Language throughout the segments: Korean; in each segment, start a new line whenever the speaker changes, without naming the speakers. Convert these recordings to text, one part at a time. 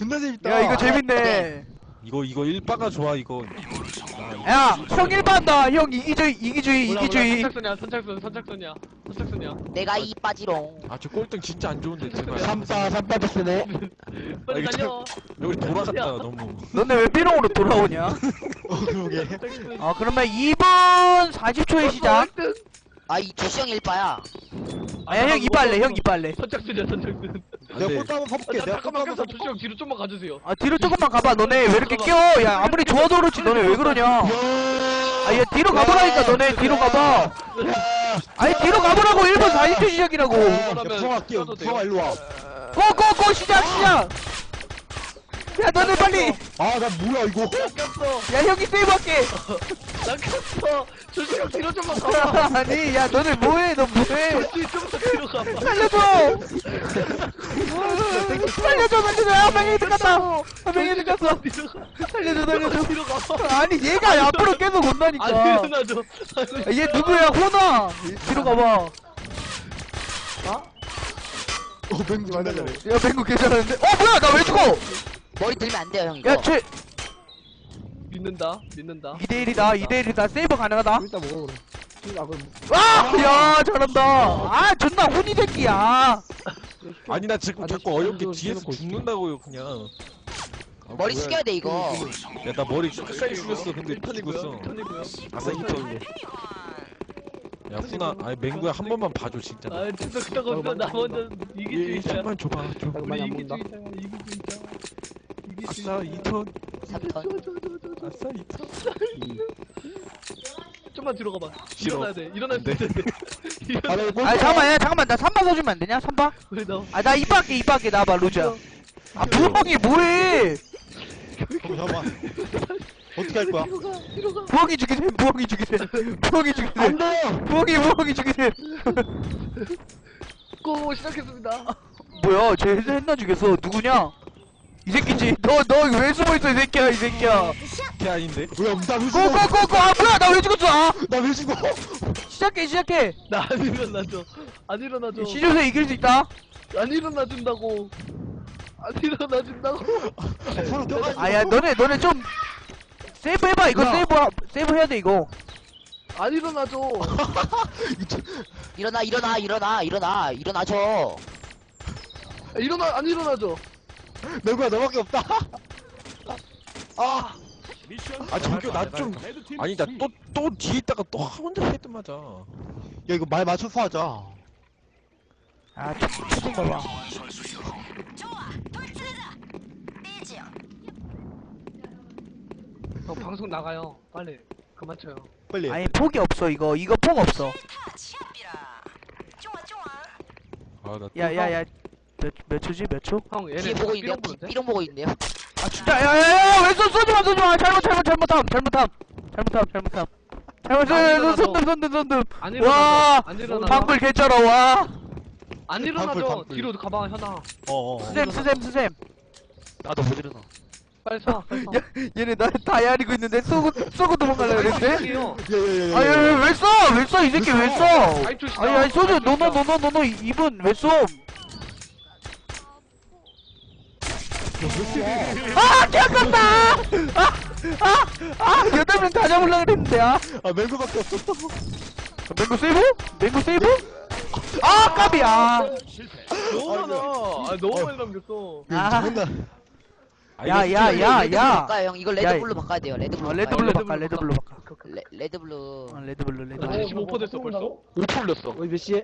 존나 재밌다.
야 이거 재밌네.
이거 일바가 좋아 이거.
야 형 1반다. 형 이기주의.
선착순이야.
내가 이 빠지롱.
아 저 꼴등 진짜 안 좋은데 제발.
삼바스네.
빨리
이거
달려.
여기 돌아갔다 너무.
너네 왜 삐롱으로 돌아오냐?
그러게.
그러면 2분 40초에 시작.
이 주시형 1빠야.
아야 형 이빨래. 형 이빨래.
선착순이야.
내가 꼴등 한번 가볼게. 내가
잠깐만
꼴등
껴서
한번
주시형 뒤로 좀만 가주세요.
뒤로 조금만 가봐. 너네 왜 이렇게 껴? 야 아무리 좋아도 그렇지 너네 왜 그러냐? 야 뒤로 가보라니까 너네 뒤로 가봐. 아니 뒤로 가보라고. 1분 40초 시작이라고.
부성아 뛰어. 부성아 일로 와.
고고고 시작. 야 너네 빨리.
나 뭐야 이거?
꼈어.
야 형이 세이브할게.
난 꼈어. 주시형 뒤로 좀만 가봐.
아니 야 너네 뭐해? 너 뭐해?
좀더 뒤로 가봐.
살려줘. 한 명이 들어갔다. 살려줘.
뒤로 가봐.
아니 얘가 앞으로 계속 온다니까.
안 일어나죠.
얘 누구야? 호나. 뒤로 가봐.
맹구 존나 잘해.
야 뱅구 괜찮았는데? 뭐야 나 왜 죽어?
머리 들면 안 돼요 형 이거.
야 쟤
믿는다.
2대1이다. 세이버 가능하다.
일단 먹어 그래.
야 잘한다. 존나 혼이 새끼야.
아니 나 지금 자꾸 어이없게 뒤에서 죽는다고요 그냥.
머리 숙여야 돼 이거.
야 나 머리 끝까지 숙였어 근데 죽었어.
턴이고요.
아싸 히터. 야 훈아 아니 맹구야 한 번만 봐줘 진짜.
진짜 그따가 나 먼저 이기주의자야.
1만 줘봐 줘.
우리 이기주의자야. 이기주의자.
아싸 2턴.
3턴.
아싸 2턴.
좀만 뒤로 가봐.
싫어.
일어나야 돼. 일어날 수
안
있어야 돼.
잠깐만 나 3번 서주면 안 되냐? 3번?
왜 너?
나 이빠게 나봐 루저. 부엉이 뭐해?
잠깐만. 어떻게 할 거야?
뒤로 가.
부엉이 죽이세요.
안 돼.
부엉이 죽이세요.
고 시작했습니다.
뭐야 쟤 했나 죽였어. 누구냐? 이 새끼지. 너 왜 숨어있어 이 새끼야.
걔 아닌데?
뭐야 나왜 죽어?
고고고고. 뭐야 나 왜 죽었어?
나 왜 죽어?
시작해.
나 안 일어나죠. 안 일어나죠.
시조새 이길 수 있다.
안 일어나준다고. 안 일어나준다고.
서로 껴가지고.
야 너네 좀 세이브 해봐. 이거
야.
세이브 해야 돼 이거.
안 일어나죠.
일어나죠.
안 일어나죠.
맹구야 너밖에 없다.
저기 나 좀 아니 나 또 뒤에 있다가 또 혼자 헤드 맞아.
야 이거 말 맞춰서 하자.
초딩 봐봐.
방송 나가요. 빨리 그만 쳐요.
빨리.
아니 폭이 없어 이거 폭 없어.
아나
야야야 몇 초지? 몇 초?
형
뒤에
얘네
보고 있네요.
보는데?
삐롱 보고 있네요.
진짜 야야야 왜 쏘지마 잘못함 손듦
안
와
일어나죠. 안 일어나.
방불 개쩔어 와
안 일어나죠.
방풀.
뒤로 가봐 현아.
스샘
나도 못 일어나.
빨리 서.
얘네 나 다이아리고 있는데 쏘고 도망갈라 그랬는데?
할게요.
예예예.
왜 써? 이 새끼 왜 써? 아니 소주 노노 이분 왜 쏘? 개아깝다! 8명 다 잡으려고 그랬는데
맹구밖에 없어.
맹구 세이브? 까비야!
너무 많아. 너무 많이 남겼어.
존나.
야.
바꿔요 형. 이걸 레드블루 바꿔야 돼요. 레드블루.
레드블루 바꿔.
레드블루.
레드블루.
75% 됐어 벌써? 5% 올렸어.
몇 시에?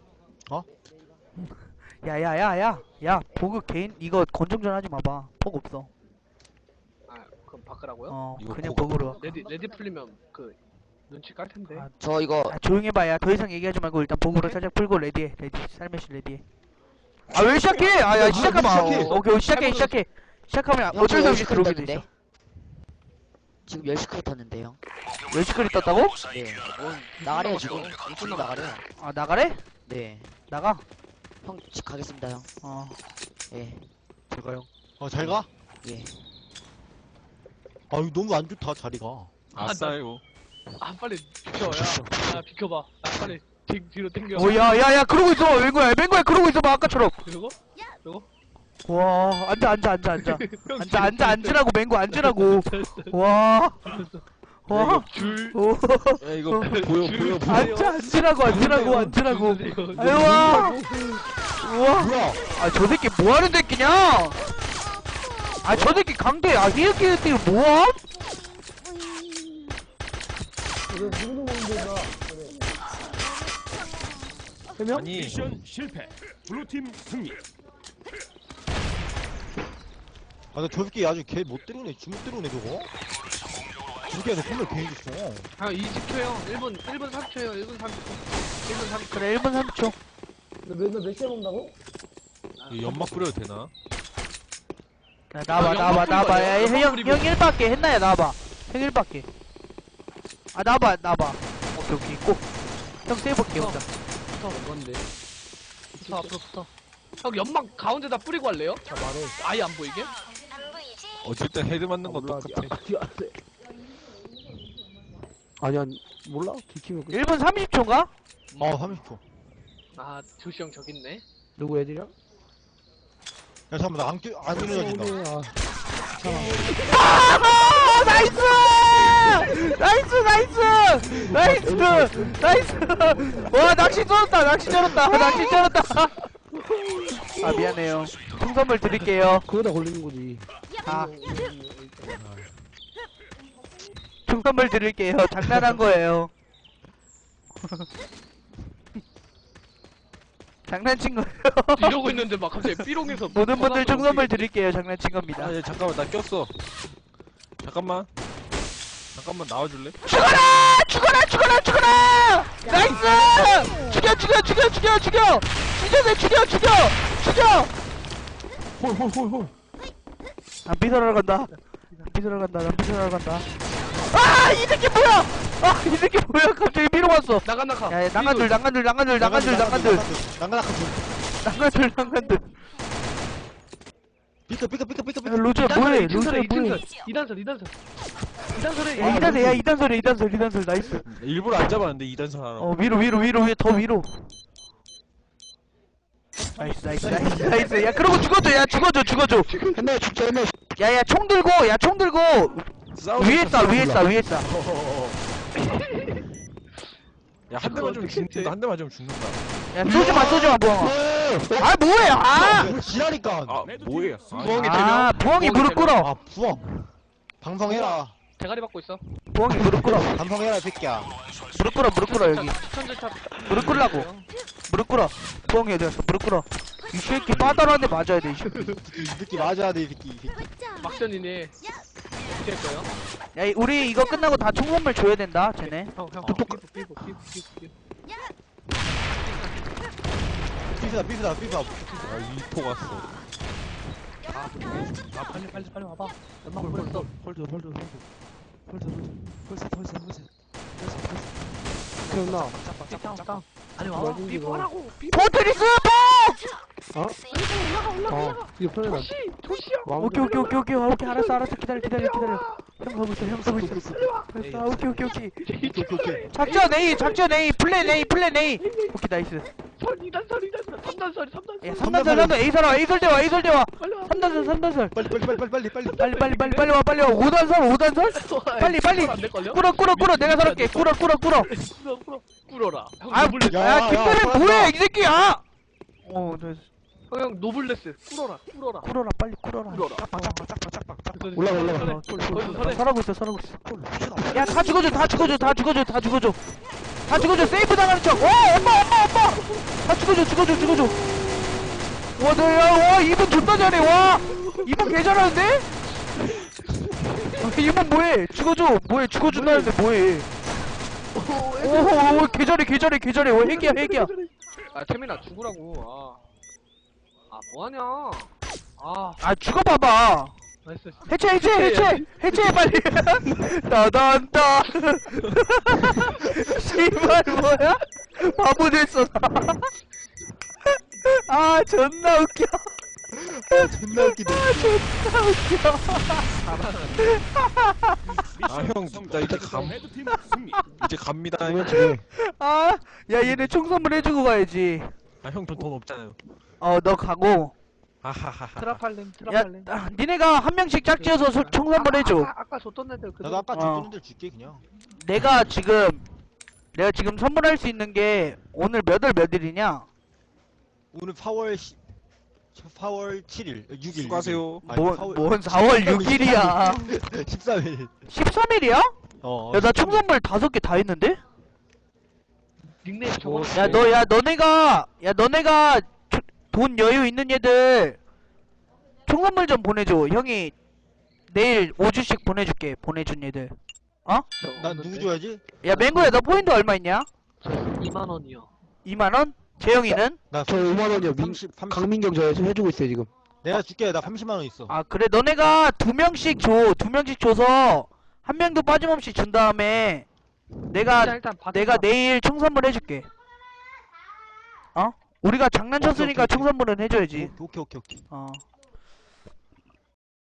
야, 보그 개인, 이거 건정전 하지 마봐. 폭 없어.
그럼 바꾸라고요?
이거
그냥
보고
보그로.
레디 풀리면 눈치 깔 텐데.
저 이거
조용히 해봐, 야. 더 이상 얘기하지 말고 일단 보그로 살짝 풀고 레디해. 살며시 레디해. 왜 시작해? 야, 시작하마.
시작해.
오케이, 시작해. 시작하면 어쩔 수 없이 들어오게 돼 있어.
지금 10시 크리 떴는데 형.
10시까지 떴다고?
네. 나가래요 지금. 일찍 나가래요.
나가래?
네.
나가.
형 집 가겠습니다 형. 예.
제가요. 잘 가?
예.
이거 너무 안 좋다 자리가.
아싸요.
빨리 비켜. 야 비켜봐. 빨리 뒤로 당겨.
야, 그러고 있어. 맹구야, 그러고 있어 봐, 아까처럼.
이러고?
와, 앉으라고, 맹구, 앉으라고. 와. 와.
줄.
오.
야 이거 보여.
앉으라고. 아유, 와. 우와.
뭐야?
아, 저 새끼 뭐 하는 새끼냐? 아, 저 새끼 강대, 아, 이렇게 뭐함?
아니
미션 실패. 블루팀 승리.
아, 나 저 새끼 아주 개 못 때리네. 주먹 때리네, 저거. 저기야, 너 손을 괜히 줬어.
형 20초요. 1분 3초요. 1분 30초. 1분 30초.
그래, 1분 30초.
이거 연막 뿌려도 되나?
야, 나와봐. 야, 형 1밖에 했나야, 나와봐. 형 1밖에. 아, 나와봐. 오케이, 꼭. 형 세이브할게, 혼자.
붙어. 뭔데? 붙어 앞으로 붙어. 형 연막 가운데다 뿌리고 할래요? 자 말해. 아예 안 보이게?
어쨌든 헤드 맞는 건 똑같아.
아니야 몰라 뒤키면
1분 30초인가?
30초.
아 조시 형 저기 있네.
누구 애들이야?
야, 잠깐만, 안 일어나진다.
아, 나이스! 와, 낚시 쩔었다. 아, 미안해요. 총선물 드릴게요.
그거다 걸리는 거지.
아. 총선물 드릴게요. 장난한 거예요. 장난친 거예요.
이러고 있는데 막 갑자기 삐롱해서
모든 분들 총선물 드릴게요. 장난친 겁니다.
아, 야, 잠깐만 나 꼈어. 잠깐만 나와줄래?
죽어라! 나이스! 죽여!
홀.
난 삐설하러 간다. 아! 이 새끼 뭐야! 갑자기 밀어 왔어.
나가.
야, 난간들.
난간들. 삐끗.
야, 로즈야, 뭐해? 이단설에, 나이스.
일부러 안 잡았는데 2단선 하나.
위로, 더 위로. 나이스. 야, 그러고 죽어줘.
옛날에 죽자 옛날에
야, 총 들고. 위에 싸.
야, 한 대 맞으면 죽는다.
야, 쏘지마, 부엉아. 아, 뭐해, 아!
야, 지라니까.
아, 뭐야?
부엉이
아, 부엉이 무릎 꿇어.
아, 부엉. 방송해라.
대가리 받고 있어.
부엉이 무릎 꿇어.
방송해라, 이 새끼야.
무릎 꿇어, 여기.
추천절차.
무릎 꿇라고. 무릎 꿇어. 부엉이 어디 갔어? 무릎 꿇어. 이 새끼 빠다로한테 맞아야 돼, 이 새끼.
이 새끼 맞아야 돼, 이 새끼.
막전이네. 어떻게 할 거예요?
야, 우리 이거 끝나고 다 총 선물 줘야 된다, 쟤네.
형. 삐부.
삐스다.
아, 2포 갔어.
빨리 와봐. 연막 벌써.
기억나.
짱. 아니 와봐.
뭐지,
삐부
이거?
하라고.
포트리스
어? 이거 편해라.
도시 형.
오케이, 알았어. 기다려. 형 서고 있어. 알았어, 오케이. 작전 A, 플랜 A. 오케이, 나이스.
3단설.
야, 3단설, A 설대와.
빨리 와.
3단설.
빨리.
빨리 와. 5단설? 빨리.
안 될걸요?
꿇어. 내가 살았게. 꿇어.
꿀어라. 형
아,
노블레스.
야, 김태현 뭐해, 이 새끼야!
형 노블레스. 꿀어라.
꿇어라, 빨리 꿇어라.
올라가.
거기서 서래.
설하고 있어. 야, 다 죽어줘. 세이프 당하는 척. 엄마. 다 죽어줘. 와, 이분 존나 잘해, 와. 이분 개 잘하는데? 이분 뭐해? 죽어준다는데 뭐해? 오, 개 잘해. 와, 핵이야.
아 태민아 죽으라고. 아 뭐하냐.
아, 죽어봐봐.
나이스.
해체 빨리. 따단따. 씨발 뭐야? 바보 됐어 나. 아, 존나 웃겨.
존나 웃기네.
아, 형, 나
레드팀 승리.
이제 갑니다.
아, 야, 얘네 총 선물 해주고 가야지.
아, 형 돈 없잖아요.
너 가고.
하하하하.
트라팔렘
야,
트라팔렘.
니네가 한 명씩 짝지어서 총 선물해줘.
아까 줬던 애들 그.
나도 아까
어.
줬던 애들 줄게 그냥.
내가 지금 선물할 수 있는 게 오늘 몇 월 몇일이냐?
오늘 4월 7일 6일.
수고하세요.
뭔 4월 6일이야.
13일.
13일이야?
어.
야, 나 총 선물 5개 다 했는데?
닉네임 적어.
너네가 돈 여유 있는 얘들 총 선물 좀 보내줘. 형이 내일 5주씩 보내준 얘들.
난 누구 줘야지?
야, 맹구야, 너 포인트 얼마 있냐?
2만 원이요.
2만원? 재영이는?
나
저 5만원이요.
30.
강민경 저 해주고 있어요, 지금.
내가 줄게. 나 30만 원 있어.
아, 그래. 너네가 2명씩 줘. 2명씩 줘서 한 명도 빠짐없이 준 다음에 내가 내일 총 선물 해줄게. 우리가 장난쳤으니까
오케이, 오케이.
총 선물은 해줘야지.
오케이.
어.